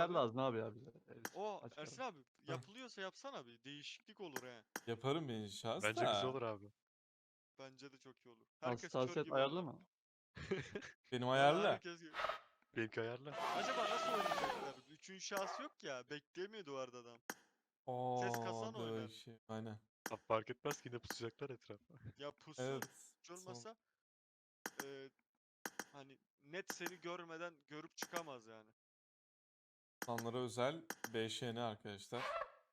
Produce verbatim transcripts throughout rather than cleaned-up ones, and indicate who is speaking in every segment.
Speaker 1: abi.
Speaker 2: lazım abi ya bize. Evet,
Speaker 1: O
Speaker 2: açık
Speaker 1: Ersin
Speaker 2: ara.
Speaker 1: abi yapılıyorsa yapsana bir değişiklik olur he.
Speaker 3: Yaparım ben şahs
Speaker 4: Bence güzel
Speaker 3: da.
Speaker 4: olur abi.
Speaker 1: Bence de çok iyi olur. Herkes kör
Speaker 2: Hassasiyet
Speaker 1: gibi
Speaker 2: ayarlı
Speaker 1: oldu.
Speaker 2: mı?
Speaker 3: Benim
Speaker 1: Vallahi
Speaker 3: ayarla.
Speaker 1: herkes gibi.
Speaker 4: Benimki ayarla.
Speaker 1: Acaba nasıl oynayacaklar? Üçüncü şahıs yok ya. Bekleyemiyor duvarda adam. Ses kasan
Speaker 3: Oo, da
Speaker 1: oynar.
Speaker 3: şey. Aynen.
Speaker 4: Abi fark etmez ki yine pusacaklar etrafa.
Speaker 1: Ya pusun
Speaker 3: Evet.
Speaker 1: hiç
Speaker 3: son-
Speaker 1: olmasa e, hani net seni görmeden görüp çıkamaz yani.
Speaker 3: Sonlara özel B Ş N arkadaşlar.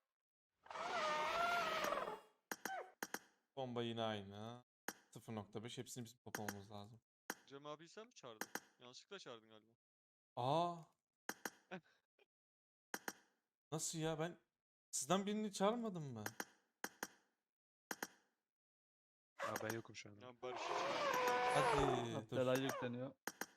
Speaker 3: Bomba yine aynı. sıfır nokta beş hepsini bizim toplamamız lazım.
Speaker 1: Cem abi sen mi çağırdın? Yanlışlıkla çağırdın galiba.
Speaker 3: Aa. Nasıl ya, ben sizden birini çağırmadım mı?
Speaker 4: Ya ben yokum şu anda.
Speaker 1: Ya Barış'ı çağırdın.
Speaker 3: Hadi dur.
Speaker 2: Delay yükleniyor.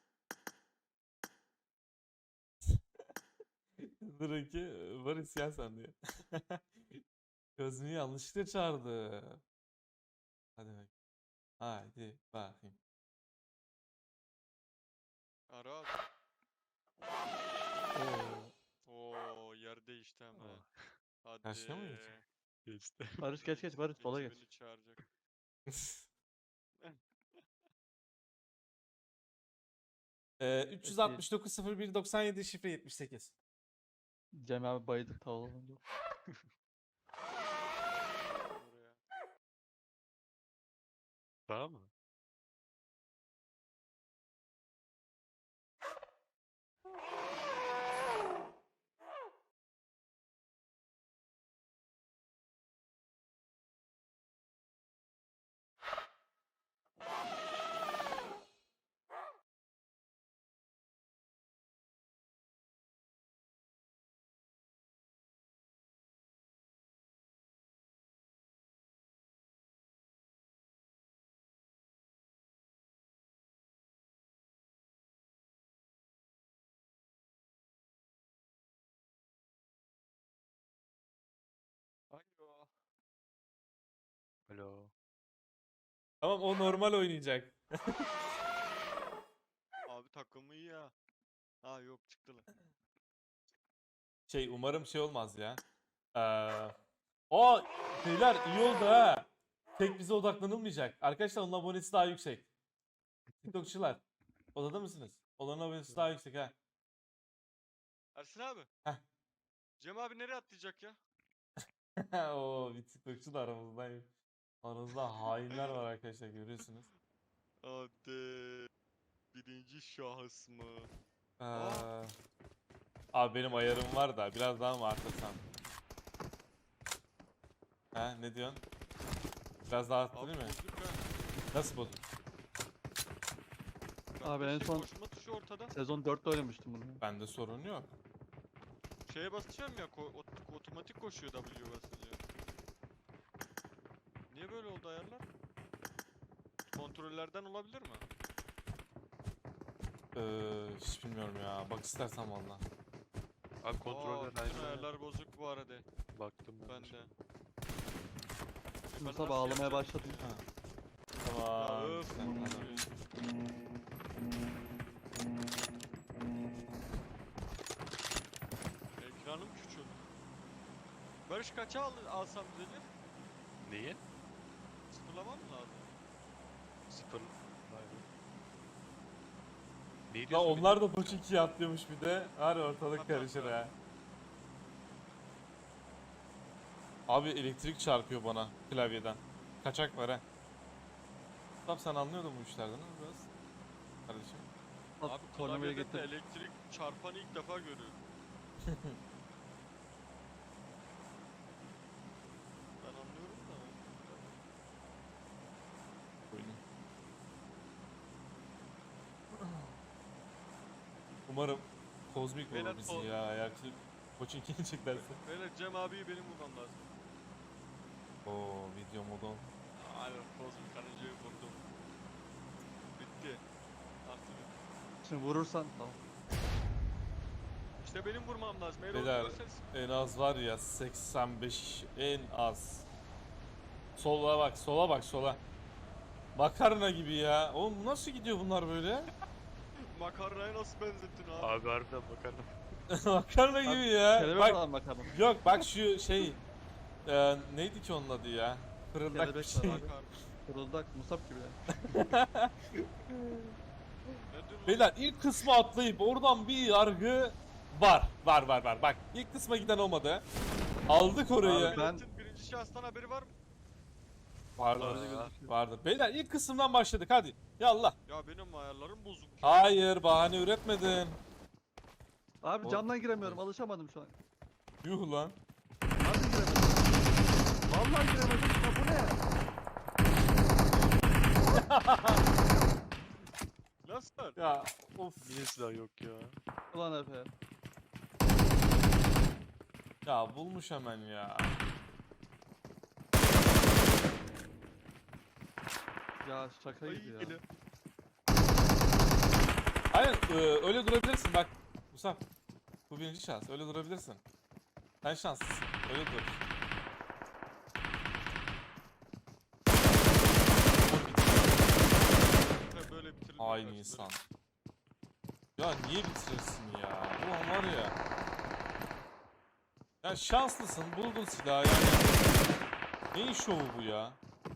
Speaker 3: Dur ki var isyan sende ya. Gözünü yanlışlıkla çağırdı. Hadi bak. Haydi bakayım.
Speaker 1: Ara abi.
Speaker 2: Oo.
Speaker 1: Oo yer değişti hemen.
Speaker 4: Aa.
Speaker 1: Hadi.
Speaker 3: Karşıya mı geçecek?
Speaker 4: Geçti.
Speaker 2: Barış geç geç Barış sola geç.
Speaker 1: Ekibini çağıracak.
Speaker 3: Ee, üç yüz altmış dokuz sıfır bir doksan yedi şifre yetmiş sekiz.
Speaker 2: Cem abi bayıldık tavalanınca.
Speaker 1: Oraya.
Speaker 4: Tamam mı?
Speaker 1: Alo.
Speaker 4: Alo.
Speaker 3: Tamam, o normal oynayacak.
Speaker 1: Abi takımı iyi ya. Ha yok çıktı lan.
Speaker 3: Şey, umarım şey olmaz ya. Ee, o beyler iyi oldu ha. Tek bize odaklanılmayacak. Arkadaşlar onun abonesi daha yüksek. TikTokçular. Odada mısınız? Olanın abonesi daha yüksek ha.
Speaker 1: Ersin abi.
Speaker 3: Heh.
Speaker 1: Cem abi nereye atlayacak ya?
Speaker 3: Oo, bir TikTokçu da aramızda. Aramızda hainler var arkadaşlar, görüyorsunuz.
Speaker 1: Hadi. Birinci şahıs mı?
Speaker 3: Ee,
Speaker 1: Aa.
Speaker 3: abi benim ayarım var da biraz daha mı arttırsam? Ha, ne diyorsun? Biraz daha
Speaker 1: Abi
Speaker 3: arttırayım mı?
Speaker 1: bozuk ha.
Speaker 3: Nasıl bozuk?
Speaker 2: Abi en
Speaker 1: Şey,
Speaker 2: son-
Speaker 1: koşma tuşu ortada.
Speaker 2: Sezon dörtte oynamıştım bunu.
Speaker 3: Bende sorun yok.
Speaker 1: Şeye basacağım ya ko- ot- otomatik koşuyor W basınca. Niye böyle oldu ayarlar? Kontrollerden olabilir mi?
Speaker 3: Ee, hiç bilmiyorum ya. Bak istersen valla.
Speaker 4: Abi
Speaker 1: Aa,
Speaker 4: kontroller
Speaker 1: bütün
Speaker 4: aynı.
Speaker 1: ayarlar bozuk bu arada.
Speaker 4: Baktım ben.
Speaker 1: Ben
Speaker 4: de.
Speaker 1: de. E ben
Speaker 2: Musa
Speaker 1: nasıl
Speaker 2: bağlamaya
Speaker 1: yapacağım
Speaker 2: başladım.
Speaker 1: ya?
Speaker 3: Tamam.
Speaker 1: Ya öf.
Speaker 3: sen tamam.
Speaker 1: Ekranım küçük. Barış kaça al alsam düzelir?
Speaker 4: Neyi?
Speaker 1: Sıfırlamam mı lazım?
Speaker 4: Sıfır. Vay be. Ne
Speaker 3: La
Speaker 4: diyorsun?
Speaker 3: onlar da Doç ikiye atlıyormuş bir de. Var ya, ortalık
Speaker 1: Bak,
Speaker 3: karışır
Speaker 1: bak,
Speaker 3: ha. Abi elektrik çarpıyor bana klavyeden. Kaçak var ha. Tam sen anlıyordun bu işlerden ha biraz. Kardeşim.
Speaker 2: Abi
Speaker 1: Abi
Speaker 2: tornavidayı
Speaker 1: klavyede de
Speaker 2: getir.
Speaker 1: elektrik çarpanı ilk defa görüyorum. Ben anlıyorum da.
Speaker 3: Buyurun. Umarım kozmik
Speaker 1: Beyler,
Speaker 3: olur bizi
Speaker 1: o-
Speaker 3: ya. Eğer ki Koçinkini çeklerse.
Speaker 1: Böyle Cem abiyi benim bulmam lazım.
Speaker 3: Oo, video modon.
Speaker 1: Aynen kozmik karıncayı vurdum. Bitti. Artık bitti.
Speaker 2: Şimdi vurursan tamam.
Speaker 1: İşte benim vurmam lazım. Eğer
Speaker 3: Beyler,
Speaker 1: onu görürseniz
Speaker 3: en az var ya seksen beş, en az. Sola bak, sola bak, sola. Makarna gibi ya. Oğlum nasıl gidiyor bunlar böyle?
Speaker 1: makarnaya nasıl benzettin abi?
Speaker 4: Abi harbiden bakalım.
Speaker 3: Makarna gibi ya.
Speaker 2: Kelebek
Speaker 3: Bak,
Speaker 2: var makarna.
Speaker 3: yok bak şu şey e, neydi ki onun adı ya? Fırıldak bir
Speaker 2: Kelebek
Speaker 3: şey.
Speaker 2: var abi.
Speaker 1: Bakar.
Speaker 2: Fırıldak, musab gibi ya.
Speaker 1: Nedir lan?
Speaker 3: Beyler ilk kısmı atlayıp oradan bir yargı var. Var var var. Bak ilk kısma giden olmadı. Aldık orayı.
Speaker 2: Abi ben-
Speaker 1: Milletin birinci şahıstan haberi var mı?
Speaker 3: Vardır.
Speaker 4: Aa,
Speaker 3: Vardır. Beyler ilk kısımdan başladık hadi. Yallah.
Speaker 1: Ya benim ayarlarım bozuk.
Speaker 3: Hayır bahane üretmedin.
Speaker 2: Abi
Speaker 3: O-
Speaker 2: camdan giremiyorum, alışamadım şu an.
Speaker 3: Yuh lan.
Speaker 2: Harbi giremedim. Vallahi giremedim. Ya bu ne?
Speaker 1: Nasıl?
Speaker 3: Ya of.
Speaker 4: Niye silah yok ya?
Speaker 2: Ulan Efe.
Speaker 3: Ya bulmuş hemen ya.
Speaker 2: Ya şaka
Speaker 1: Ay,
Speaker 2: gibi ya.
Speaker 1: geliyor.
Speaker 3: Aynen e, öyle durabilirsin bak. Musab. Bu birinci şans. Öyle durabilirsin. Sen şanslısın. Öyle dur.
Speaker 1: Ve böyle bitirildi.
Speaker 3: Aynı insan. Ya niye bitirirsin ya? Ulan var ya. Ya şanslısın. Buldun silahı yani. Neyin şovu bu ya?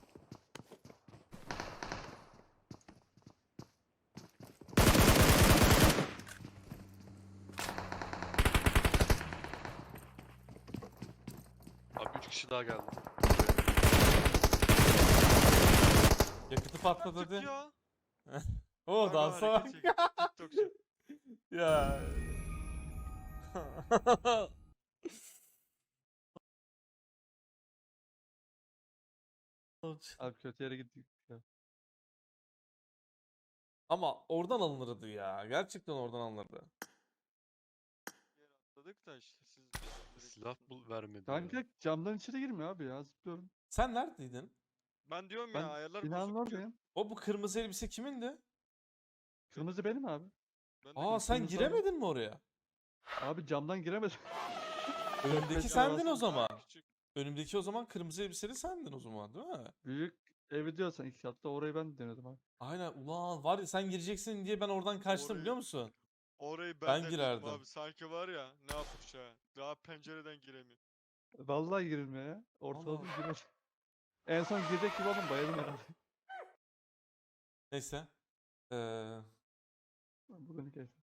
Speaker 4: Abi üç kişi daha geldi.
Speaker 3: Yakıtı patladı
Speaker 1: Artık
Speaker 3: dedi.
Speaker 1: ya.
Speaker 3: O
Speaker 1: Galiba
Speaker 3: dansa bak.
Speaker 1: hareket çek- TikTokçu.
Speaker 3: Ya.
Speaker 2: Abi kötü yere gittik ya.
Speaker 3: Ama oradan alınırdı ya. Gerçekten oradan alınırdı.
Speaker 1: Yer atladık da işte siz direkt-
Speaker 4: Silah bul vermedi ya.
Speaker 2: Kanka camdan içeri girmiyor abi ya, zıplıyorum.
Speaker 3: Sen neredeydin?
Speaker 1: Ben diyorum
Speaker 2: Ben
Speaker 1: ya ayarlar
Speaker 2: binanın
Speaker 1: bozuk.
Speaker 2: oradayım.
Speaker 3: O bu kırmızı elbise kimindi?
Speaker 2: Kırmızı benim abi.
Speaker 1: Ben de
Speaker 3: Aa sen
Speaker 2: kırmızı
Speaker 3: giremedin mi oraya?
Speaker 2: Abi camdan giremedim.
Speaker 3: Önümdeki
Speaker 2: beş
Speaker 3: sendin
Speaker 2: arası
Speaker 3: o zaman.
Speaker 1: küçük.
Speaker 3: Önümdeki o zaman kırmızı elbiseli sendin o zaman değil mi?
Speaker 2: Büyük evi diyorsan iki katlı, orayı ben denedim abi.
Speaker 3: Aynen ulan var ya sen gireceksin diye ben oradan kaçtım
Speaker 1: Orayı-
Speaker 3: biliyor musun?
Speaker 1: Orayı
Speaker 3: Ben
Speaker 1: ben, denedim
Speaker 3: girerdim.
Speaker 1: abi. Sanki var ya ne yapmış ha. Daha pencereden giremiyor.
Speaker 2: Vallahi girilmiyor ya. Ortaladım
Speaker 3: Allah.
Speaker 2: giremedim. En son girecek gibi oldum, bayıldım herhalde.
Speaker 3: Neyse. Ee,
Speaker 2: Bugün keyif.